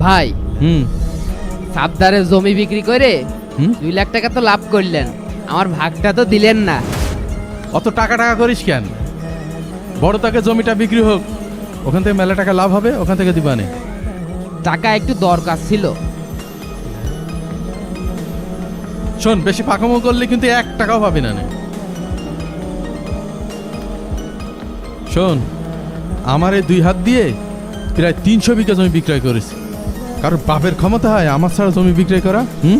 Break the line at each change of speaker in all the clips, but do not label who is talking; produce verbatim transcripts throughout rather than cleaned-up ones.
ভাই
হুম
সাবদারে জমি বিক্রি করে
হুম
দুই লাখ টাকা তো লাভ করলেন, আমার ভাগটা তো দিলেন না।
অত টাকা টাকা করিস কেন? বড় তাকে জমিটা বিক্রি হোক, ওখান থেকে মেলা টাকা লাভ হবে, ওখান থেকে দিবানে।
টাকা একটু দরকার ছিল।
শোন, বেশি পাকামো করলে কিন্তু এক টাকাও পাবি না নে। শোন, আমার এই দুই হাত দিয়ে প্রায় তিনশো বিঘা জমি বিক্রয় করেছি। কারণ বাপের ক্ষমতা হয় আমার ছাড়া জমি বিক্রয় করা? হুম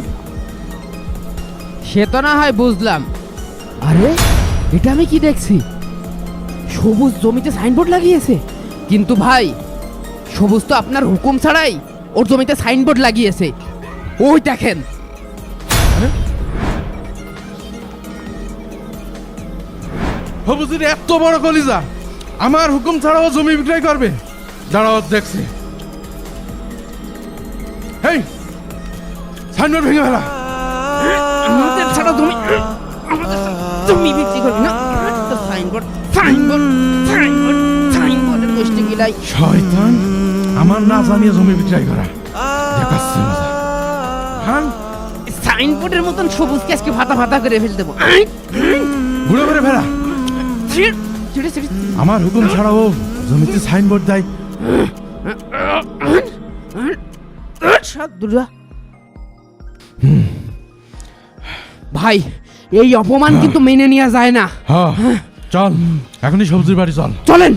সে তো না হয় বুঝলাম। আরে এটা আমি কি দেখছি, সবুজ জমিতে সাইনবোর্ড লাগিয়েছে। কিন্তু ভাই, সবুজ তো আপনার হুকুম ছাড়াই ওর জমিতে সাইনবোর্ড লাগিয়েছে। ওই দেখেন।
হবুজির এত বড় কলিজা, আমার হুকুম ছাড়াও জমি বিক্রয় করবে? দাঁড়াও দেখছি। হেই, সাইনবোর্ড ভেঙে ফেলা।
আমাদের ছাড়া জমি আমাদের ছাড়া জমি বিক্রি করবি না? তো সাইনবোর্ড সাইনবোর্ড সাইনবোর্ড সাইনবোর্ডের গোষ্ঠী গিলাই।
শয়তান, আমার না জানিয়ে জমি বিক্রয় করা দেখাচ্ছি মজা। হ্যাঁ,
সাইনবোর্ডের মতন সবুজকে আজকে ভাতা ভাতা করে ফেল দেবো।
ঘুরে ঘুরে ফেলা। আমার হুকুম ছাড়াও জমিতে সাইনবোর্ড দেয়।
ভাই, এই অপমান কিন্তু মেনে নেওয়া যায় না।
হ্যাঁ, চল এখনই সবজির বাড়ি চল।
চলেন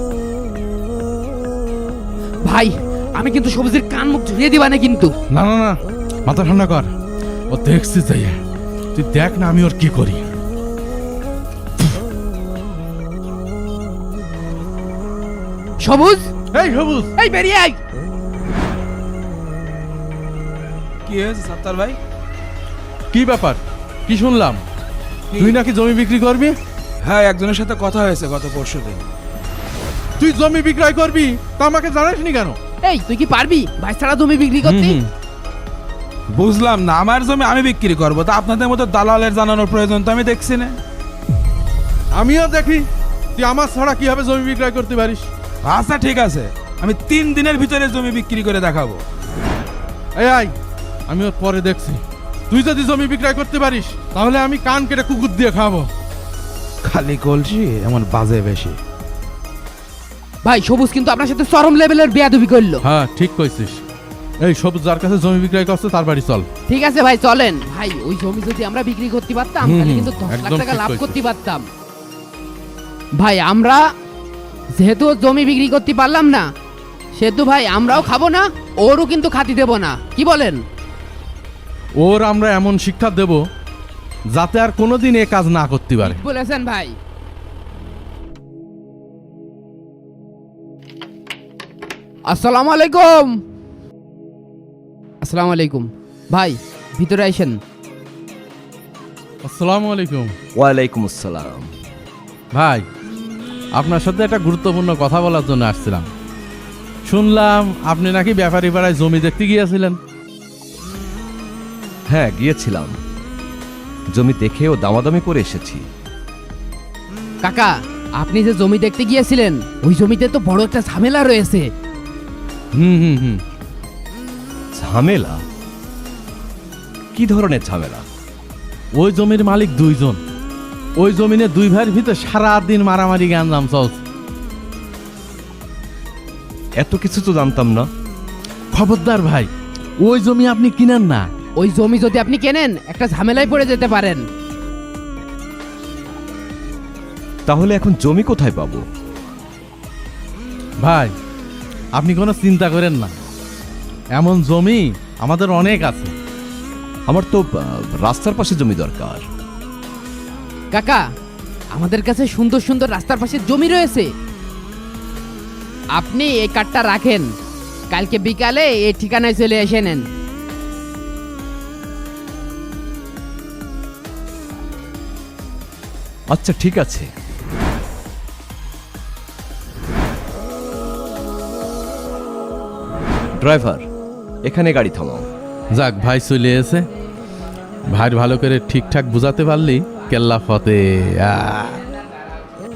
ভাই, আমি কিন্তু সবজির কান মুখ ঝুড়িয়ে দিবা না কিন্তু।
না না না, মাথা ঠান্ডা কর। ও দেখছি যাই, তুই দেখ না আমি ওর কি করি।
সবুজ,
এই সবুজ,
এই বেরিয়ে আয়।
কি হয়েছে সাত্তার ভাই?
কি ব্যাপার? কি শুনলাম তুই নাকি জমি বিক্রি করবি?
হ্যাঁ, একজনের সাথে কথা হয়েছে গত পরশু দিন।
তুই জমি বিক্রয় করবি তা আমাকে জানাসনি কেন?
এই তুই কি পারবি ভাই ছাড়া জমি বিক্রি করতে?
হুম,
বুঝলাম না, আমার জমি আমি বিক্রি করবো, তা আপনাদের মতো দালালের জানানোর প্রয়োজন তো আমি দেখছি না।
আমিও দেখি তুই আমার ছাড়া কিভাবে জমি বিক্রয় করতে পারিস।
আচ্ছা ঠিক আছে, আমি তিন দিনের ভিতরে জমি বিক্রি করে দেখাবো।
এই আই, আমি ওর পরে দেখছি। তুই যদি জমি বিক্রয় করতে পারিস তাহলে আমি কান কেটে কুকুর দিয়ে খাবো।
খালি কলসি এমন বাজে বেশি।
ভাই, সবুজ কিন্তু আপনার সাথে চরম লেভেলের বেয়াদবি করলো।
হ্যাঁ ঠিক কইছিস। এই সবুজ যার কাছে জমি বিক্রয় করছে তার বাড়ি চল।
ঠিক আছে ভাই, চলেন। ভাই, ওই জমি যদি আমরা বিক্রি করতে পারতাম
হুম,
তাহলে
হুম,
কিন্তু দশ লাখ
একদম
টাকা
ঠিক
লাভ
কইছিস।
করতে পারতাম। ভাই, আমরা যেহেতু ওর জমি বিক্রি করতে পারলাম না, সেহেতু ভাই আমরাও খাবো না, ওরও কিন্তু খাতি দেব না। কি বলেন?
ওর আমরা এমন শিক্ষা দেব যাতে আর কোনোদিন এ কাজ না করতে পারে।
বলেছেন ভাই। আসসালামু আলাইকুম। আসসালামু আলাইকুম। ভাই, ভিতরে আইসেন।
আসসালামু আলাইকুম।
ওয়ালাইকুম আসসালাম।
ভাই, আপনার সাথে একটা গুরুত্বপূর্ণ কথা বলার জন্য আসছিলাম। শুনলাম আপনি নাকি ব্যাপারী পাড়ায় জমি দেখতে গিয়েছিলেন।
হ্যাঁ, গিয়েছিলাম, জমি দেখে ও দামাদামি করে এসেছি।
কাকা, আপনি যে জমি দেখতে গিয়েছিলেন ওই জমিতে তো বড় একটা ঝামেলা রয়েছে।
হুম হুম হুম
ঝামেলা? কি ধরনের ঝামেলা?
ওই জমির মালিক দুইজন। ওই জমিনে দুই ভাইয়ের ভিতরে সারা দিন মারামারি গ্যাঞ্জাম চলছে।
এত কিছু তো জানতাম না।
খবরদার ভাই, ওই জমি আপনি কিনেন না।
ওই জমি যদি আপনি কেনেন একটা ঝামেলায় পড়ে যেতে পারেন।
তাহলে এখন জমি কোথায় পাবো?
ভাই, আপনি কোনো চিন্তা করেন না, এমন জমি আমাদের অনেক আছে।
আমার তো আহ, রাস্তার পাশে জমি দরকার।
কাকা, আমাদের কাছে সুন্দর সুন্দর রাস্তার পাশে জমি রয়েছে। আপনি এই কার্ডটা রাখেন, কালকে বিকালে এই ঠিকানায় চলে এসে নেন।
আচ্ছা ঠিক আছে। ড্রাইভার, এখানে গাড়ি থামাও।
যাক, ভাই চলে এসে। ভাইয়ের ভালো করে ঠিকঠাক বুঝাতে পারলি কেল্লা ফতে।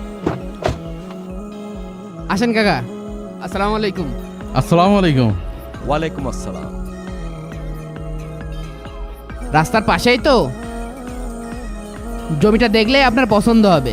আসেন কাকা। আসসালামু আলাইকুম।
আসসালামু আলাইকুম।
ওয়ালাইকুম আসসালাম।
রাস্তার পাশেই তো, জমিটা দেখলে আপনার পছন্দ হবে।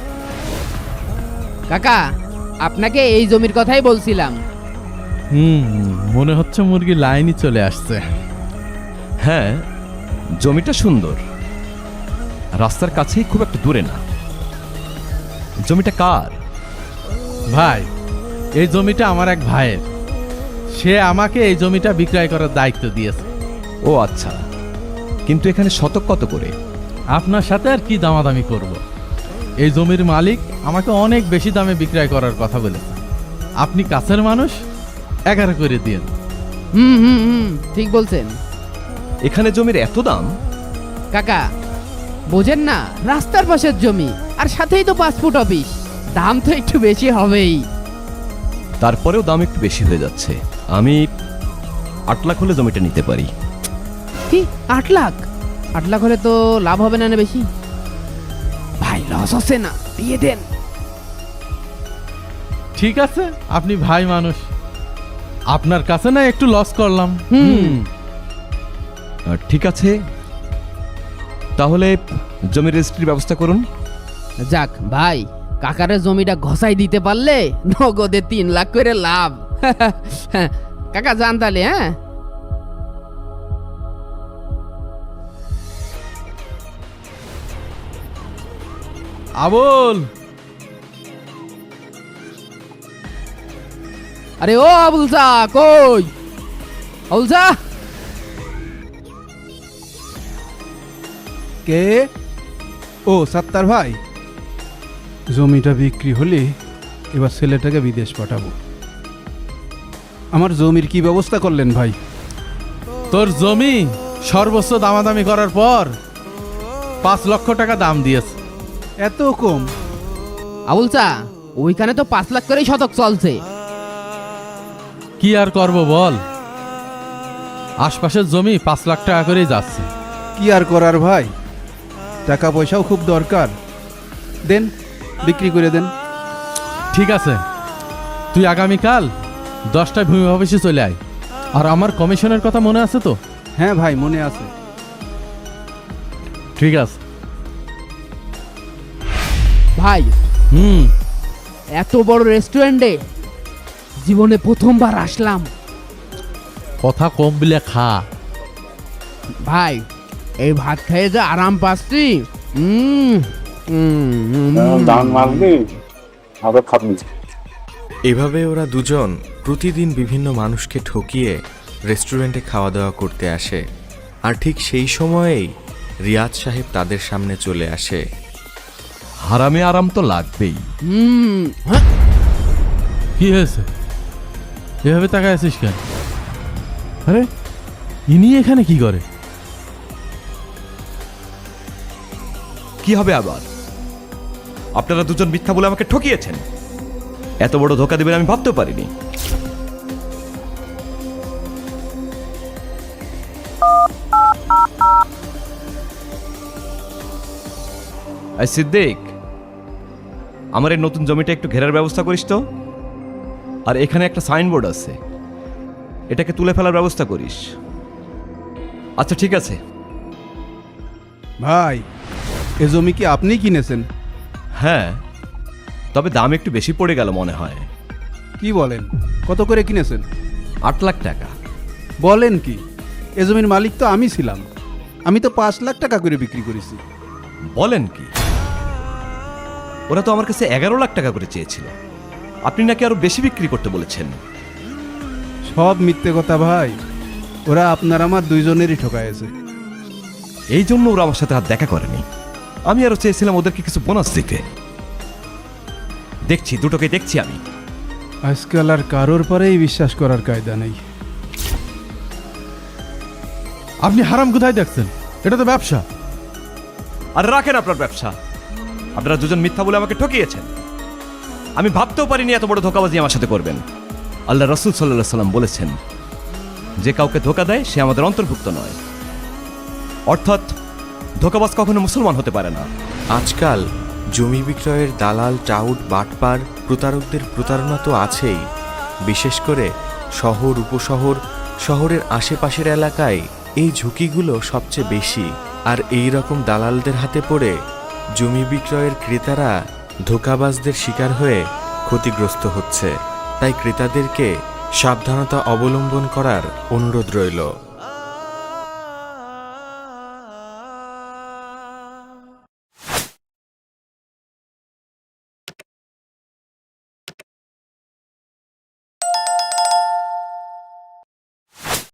কাকা, আপনাকে এই জমির কথাই বলছিলাম।
হুম মনে হচ্ছে মুরগি লাইনই চলে আসছে।
হ্যাঁ, জমিটা সুন্দর, রাস্তার কাছেই, খুব একটা দূরে না। জমিটা কার?
ভাই, এই জমিটা আমার এক ভাইয়ের। সে আমাকে এই জমিটা বিক্রয় করার দায়িত্ব দিয়েছে।
ও আচ্ছা, কিন্তু এখানে শতক কত করে?
আপনার সাথে আর কি দামাদামি করব। এই জমির মালিক আমাকে অনেক বেশি দামে বিক্রয় করার কথা বলেছে। আপনি কাছের মানুষ, এগারো করে দিন।
হুম হুম হুম ঠিক বলছেন
এখানে জমির এত দাম?
কাকা। বোঝেন না, রাস্তার পাশের জমি, আর সাথেই তো পাসপোর্ট অফিস, দাম তো একটু বেশি হবেই।
তারপরেও দাম একটু বেশি হয়ে যাচ্ছে। আমি আট লাখ হলে জমিটা নিতে পারি।
কি, আট লাখ? আট লাখ হলে তো লাভ হবে না, না বেশি? ভাই, লস হচ্ছে না, দিয়ে দেন।
ঠিক আছে, আপনি ভাই মানুষ, আপনার কাছে না একটু লস করলাম।
হুম।
আর ঠিক আছে, তাহলে জমির রেজিস্ট্রির ব্যবস্থা করুন।
যাক ভাই, কাকারের জমিটা ঘষাই দিতে পারলে নগদে তিন লাখ করে লাভ। কাকা যান তাহলে। হ্যাঁ,
আবুল,
আরে ও আবুল চা, কই আবুল চা?
কে? ও সাত্তার ভাই, জমিটা বিক্রি হলে এবার ছেলেটাকে বিদেশ পাঠাবো। আমার জমির কি ব্যবস্থা করলেন ভাই?
তোর জমি সর্বোচ্চ দামাদামি করার পর পাঁচ লক্ষ টাকা দাম দিয়েছে।
এত কম?
আবুল চা, ওইখানে তো পাঁচ লাখ করেই শতক চলছে।
কি আর করব বল, আশপাশের জমি পাঁচ লাখ টাকা করেই যাচ্ছে।
কি আর করার ভাই, টাকা পয়সাও খুব দরকার। দেন, বিক্রি করে দেন।
ঠিক আছে, তুই আগামীকাল দশটায় ভূমি অফিসে চলে আয়। আর আমার কমিশনের কথা মনে আছে তো?
হ্যাঁ ভাই, মনে আছে।
ঠিক আছে।
ভাই,
হুম
এত বড় রেস্টুরেন্টে জীবনে প্রথমবার আসলাম।
কথা কম বিলে খা।
ভাই, এই ভাত খেয়ে যে আরাম পাচ্ছি। উম, উম, উম,
দান মারবি আবার খাবি।
এভাবে ওরা দুজন প্রতিদিন বিভিন্ন মানুষকে ঠকিয়ে রেস্টুরেন্টে খাওয়া দাওয়া করতে আসে। আর ঠিক সেই সময়েই রিয়াজ সাহেব তাদের সামনে চলে আসে।
হারামে আরাম তো লাগবেই।
উম, হ্যাঁ?
কি হয়েছে, এভাবে তাকায় আছিস কেন? আরে, ইনি এখানে কি করে?
কি হবে আবার? আপনারা দুজন মিথ্যা বলে আমাকে ঠকিয়েছেন। এত বড় ধোকা দেবেন আমি ভাবতেও পারিনি। এই সিদ্দিক, আমার এই নতুন জমিটা একটু ঘেরার ব্যবস্থা করিস তো। আর এখানে একটা সাইনবোর্ড আছে, এটাকে তুলে ফেলার ব্যবস্থা করিস। আচ্ছা ঠিক আছে।
ভাই, এ জমি কি আপনি কিনেছেন?
হ্যাঁ, তবে দাম একটু বেশি পড়ে গেল মনে হয়।
কি বলেন, কত করে কিনেছেন?
আট লাখ টাকা।
বলেন কি, এ জমির মালিক তো আমি ছিলাম। আমি তো পাঁচ লাখ টাকা করে বিক্রি করেছি।
বলেন কি, ওরা তো আমার কাছে এগারো লাখ টাকা করে চেয়েছিল। আপনি নাকি আরো বেশি বিক্রি করতে বলেছেন।
সব মিথ্যে কথা ভাই, ওরা আপনার আমার দুইজনেরই ঠকাইছে।
এই জন্য ওরা আমার সাথে আর দেখা করেনি। আমি আরো চেয়েছিলাম ওদেরকে কিছু বোনাস দিতে। দেখছি, দুটোকে দেখছি আমি।
আজকাল আর কারোর পরেই বিশ্বাস করার কায়দা নেই।
আপনি হারাম কোথায় দেখছেন? এটা তো ব্যবসা।
আর রাখেন আপনার ব্যবসা। আপনারা দুজন মিথ্যা বলে আমাকে ঠকিয়েছেন। আমি ভাবতেও পারিনি এত বড় ধোকাবাজি আমার সাথে করবেন। আল্লাহ রাসূল সাল্লাল্লাহু আলাইহি সাল্লাম বলেছেন, যে কাউকে ধোকা দেয় সে আমাদের অন্তর্ভুক্ত নয়। অর্থাৎ ধোকাবাজ কখনো মুসলমান হতে পারে না।
আজকাল জমি বিক্রয়ের দালাল, টাউট, বাটপার, প্রতারকদের প্রতারণা তো আছেই। বিশেষ করে শহর, উপশহর শহরের আশেপাশের এলাকায় এই ঝুঁকিগুলো সবচেয়ে বেশি, আর এই রকম দালালদের হাতে পড়ে জমি বিক্রয়ের ক্রেতারা ধোঁকাবাজদের শিকার হয়ে ক্ষতিগ্রস্ত হচ্ছে। তাই ক্রেতাদেরকে সাবধানতা অবলম্বন করার অনুরোধ রইল।